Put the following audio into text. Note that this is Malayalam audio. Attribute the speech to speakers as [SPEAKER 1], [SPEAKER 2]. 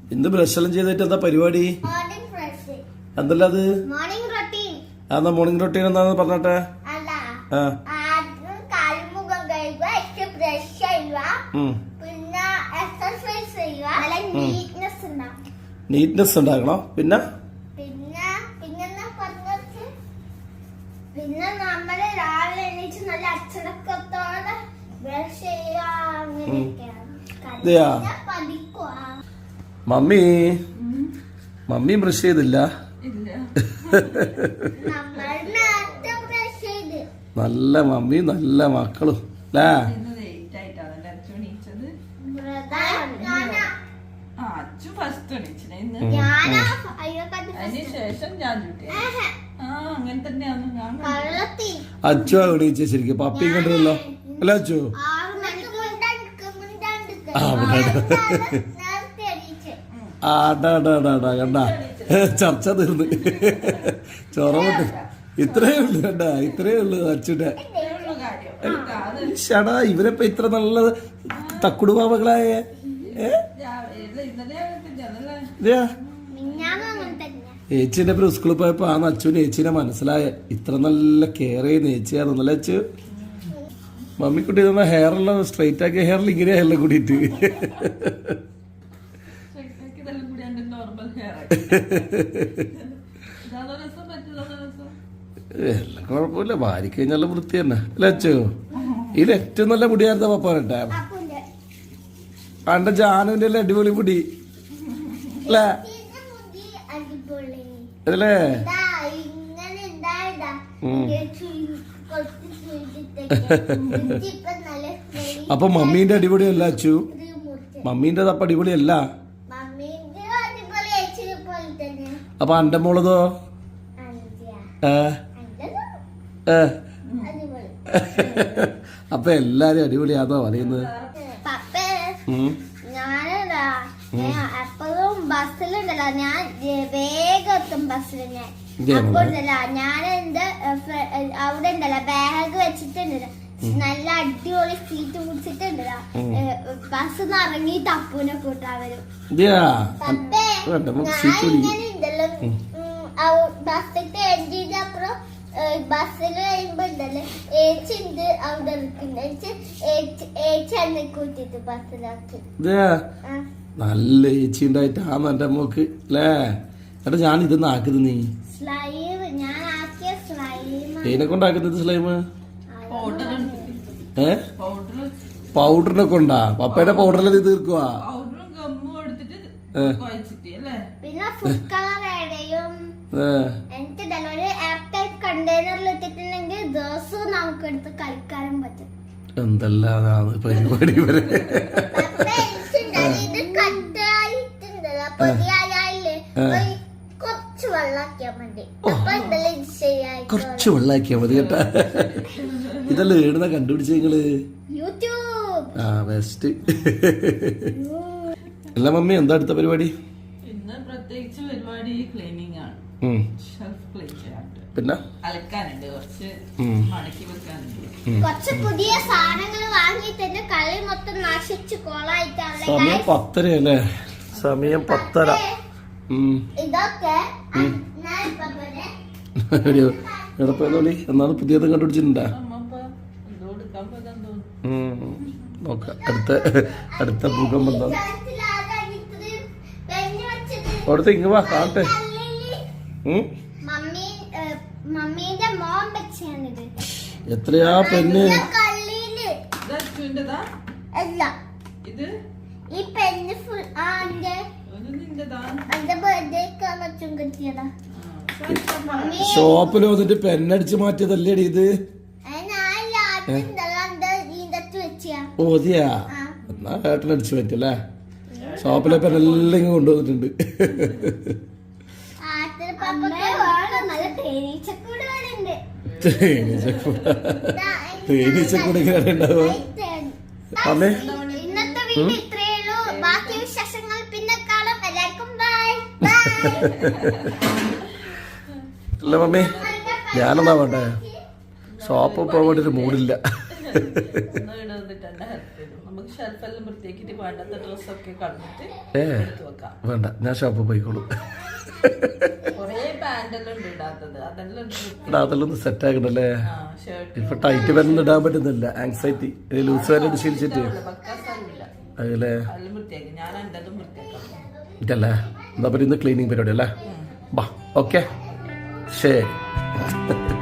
[SPEAKER 1] എന്ത് ബ്രഷ് എല്ലാം ചെയ്തിട്ട് എന്താ പരിപാടി? എന്തല്ല അത്? എന്നാ മോർണിംഗ് റൊട്ടീൻ എന്താന്ന് പറഞ്ഞട്ടെ. നീറ്റ്നെസ് ഉണ്ടാക്കണം. പിന്നെ
[SPEAKER 2] നമ്മള് രാവിലെ എണീച്ച് നല്ല അച്ചടക്കത്തോടെ ബ്രഷ് ചെയ്യുക.
[SPEAKER 1] മമ്മി ബ്രഷ് ചെയ്തില്ല. നല്ല മമ്മി നല്ല മക്കളും അല്ലേ? അച്ചു എണീച്ച ശരിക്കും പപ്പിയും കണ്ടല്ലോ അല്ല അച്ചു? കണ്ട ചർച്ച തീർന്ന് ചൊറമുട്ട് ഇത്രയേ ഉള്ളു. കണ്ട ഇത്രയേ ഉള്ളു അച്ചുടെ. ഷടാ ഇവരപ്പ ഇത്ര നല്ല തക്കുടുപാവകളായ ഏച്ചിന്റെ പേര് സ്കൂളിൽ പോയപ്പോ ആ അച്ചുവിന് ഏച്ചിനെ മനസ്സിലായ ഇത്ര നല്ല കെയർ ചെയ്യുന്ന ഏച്ചിയാണെന്നല്ലേ അച്ചു? മമ്മിക്കുട്ടി തന്ന ഹെയറെല്ലാം സ്ട്രൈറ്റ് ആക്കിയ ഹെയറിൽ ഇങ്ങനെ എല്ലാം കൂടിയിട്ട് എല്ലാം കുഴപ്പമില്ല. ഭാര്യ കഴിഞ്ഞാൽ വൃത്തി തന്നെ അല്ലേ അച്ചു? ഇതിൽ ഏറ്റവും നല്ല മുടിയായിരുന്ന പപ്പാനട്ടെ. അന്റെ ജാനുവിന്റെ എല്ലാം അടിപൊളി മുടി അല്ലേ? അതല്ലേ? അപ്പൊ മമ്മീന്റെ അടിപൊളിയല്ല അച്ചു? മമ്മീന്റെ തപ്പ അടിപൊളിയല്ല. അപ്പൊ അന്റെ മോളതോ? അപ്പൊ എല്ലാരും അടിപൊളിയാണോ പറയുന്നത്?
[SPEAKER 2] എപ്പോഴും ബസ്സിലുണ്ടല്ലോ ഞാൻ വേഗം എത്തും ബസ്സിൽ. ഞാൻ എന്റെ അവിടെ ഉണ്ടല്ലോ ബാഗ് വെച്ചിട്ടുണ്ടല്ലോ നല്ല അടിപൊളി സീറ്റ് പിടിച്ചിട്ടുണ്ടല്ലോ. ബസ് ഇറങ്ങി തപ്പൂനെ കൂട്ടാൻ വരും. ബസ്സിന്റെ എൻജിന്റെ അപ്പുറം ബസ്സിൽ കഴിയുമ്പോ ഉണ്ടല്ലോ ഏച്ചിണ്ട് അവിടെ ഏച്ചി എന്നെ കൂട്ടിട്ട് ബസ്സിലാക്കി.
[SPEAKER 1] നല്ല ഏച്ചി ഉണ്ടായിട്ടാണ് എന്റെ മോക്ക് അല്ലേ? എടാ ഞാൻ ഇതൊന്നും ആക്കുന്നത് നീ ഇതിനെ കൊണ്ടാക്കുന്നത് സ്ലൈമ് പൗഡറിനെ കൊണ്ടാ? പപ്പയുടെ പൗഡറിൽ ഇത് തീർക്കുവാ?
[SPEAKER 2] കണ്ടെയ്നറിലിട്ടിട്ടുണ്ടെങ്കിൽ ദിവസവും നമുക്ക് എടുത്ത് കഴിക്കാനും പറ്റും.
[SPEAKER 1] എന്തെല്ലാം പരിപാടി വരെ
[SPEAKER 2] കുറച്ച് വെള്ളാക്കിയാ മതി
[SPEAKER 1] കേട്ടാ. ഇതല്ലേ ഏടുന്ന കണ്ടുപിടിച്ച നിങ്ങള്?
[SPEAKER 2] യൂട്യൂബ്.
[SPEAKER 1] ബെസ്റ്റ്. അല്ല മമ്മി എന്താ അടുത്ത പരിപാടി?
[SPEAKER 3] ഇന്ന് പ്രത്യേകിച്ച് പരിപാടി ക്ലീനിങ് ആണ്.
[SPEAKER 1] പിന്നെ
[SPEAKER 3] അലക്കാനുണ്ട്, കുറച്ച് മടക്കി വെക്കാനുണ്ട്,
[SPEAKER 2] കുറച്ച് പുതിയ സാധനങ്ങൾ വാങ്ങിയിട്ട് കളി മൊത്തം നശിച്ചു കോളായിട്ടാണ്.
[SPEAKER 1] സമയം 10:30 അല്ലേ? സമയം 10:30.
[SPEAKER 2] ഇതൊക്കെ
[SPEAKER 1] എടപ്പോളി എന്നാണ് പുതിയത് കണ്ടുപിടിച്ചിട്ടുണ്ടാ? നോക്കാം അടുത്ത ഭൂകമ്പം എന്താ അവിടുത്തെ ഇങ്ങ വാ കാണട്ടെ. എത്രയാ പെണ്ണ്?
[SPEAKER 2] ഈ പെണ്ണ്
[SPEAKER 1] ഷോപ്പിൽ വന്നിട്ട് പെണ്ണടിച്ച് മാറ്റിയതല്ലേ ഇത്? ഓതിയാ എന്നാ ഏട്ടനടിച്ചു മാറ്റിയല്ലേ? ഷോപ്പിലെ പെണ്ണെല്ലാം ഇങ്ങ് കൊണ്ടുവന്നിട്ടുണ്ട്. തേനീച്ചക്കൂട് ഇങ്ങനെ ഉണ്ടാവുക. അമ്മേ
[SPEAKER 2] ബാക്കി വിശേഷങ്ങൾ പിന്നെ കാണാം. എല്ലാവർക്കും ബൈ.
[SPEAKER 1] അല്ല മമ്മി ഞാനെന്താ വേണ്ടേ? ഷോപ്പ് പോകാൻ വേണ്ടിട്ട് മൂടില്ല.
[SPEAKER 3] നമുക്ക് ഷെൽഫെല്ലാം വൃത്തിയാക്കിട്ട് വേണ്ടാത്ത ഡ്രസ്സൊക്കെ കളഞ്ഞിട്ട് കൊടുക്കാം.
[SPEAKER 1] വേണ്ട, ഞാൻ ഷോപ്പിൽ പോയിക്കോളൂ.
[SPEAKER 3] കൊറേ പാന്റെല്ലാം ഉണ്ട് ഇടാത്തത്, അതെല്ലാം
[SPEAKER 1] അതെല്ലാം ഒന്ന് സെറ്റ് ആക്കണല്ലേ.
[SPEAKER 3] ഷർട്ട്
[SPEAKER 1] ഇപ്പൊ ടൈറ്റ് വരുന്ന ഇടാൻ പറ്റുന്നില്ല, ആങ്സൈറ്റി ലൂസ് വരെ ശീലിച്ചിട്ട് അതല്ലേ.
[SPEAKER 3] അതെല്ലാം വൃത്തിയാക്കി, ഞാൻ എന്തെല്ലാം വൃത്തിയാക്കാം
[SPEAKER 1] ഇതല്ലേ. എന്താ പറയുക, ഇന്ന് ക്ലീനിങ് പരിപാടി അല്ലേ. ബാ, ഓക്കെ, ശരി.